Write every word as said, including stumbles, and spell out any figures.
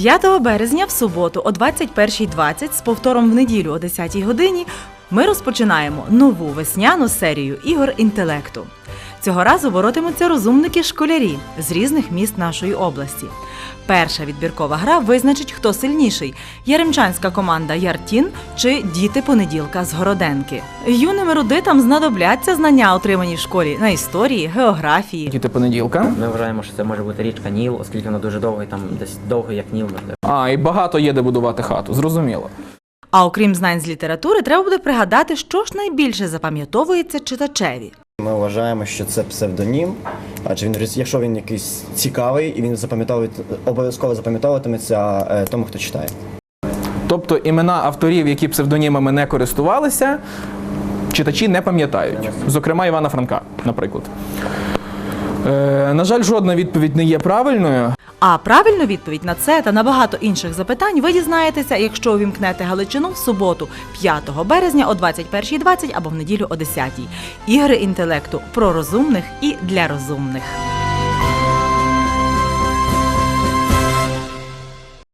п'ятого березня в суботу о двадцять першій двадцять з повтором в неділю о десятій годині ми розпочинаємо нову весняну серію ігор інтелекту. Цього разу боротимуться розумники-школярі з різних міст нашої області. Перша відбіркова гра визначить, хто сильніший – яремчанська команда «Яртін» чи «Діти понеділка» з Городенки. Юним ерудитам знадобляться знання, отримані в школі на історії, географії. Діти понеділка. Ми вважаємо, що це може бути річка Ніл, оскільки вона дуже довга, і там десь довго, як Ніл, можливо. А, і багато є де будувати хату, зрозуміло. А окрім знань з літератури, треба буде пригадати, що ж найбільше запам'ятовується читачеві. Ми вважаємо, що це псевдонім, адже він, якщо він якийсь цікавий, і він обов'язково запам'ятовуватиметься тому, хто читає. Тобто імена авторів, які псевдонімами не користувалися, читачі не пам'ятають. Зокрема, Івана Франка, наприклад. Е, на жаль, жодна відповідь не є правильною. А правильну відповідь на це та на багато інших запитань ви дізнаєтеся, якщо увімкнете Галичину в суботу, п'ятого березня о двадцять першій двадцять або в неділю о десятій. Ігри інтелекту про розумних і для розумних.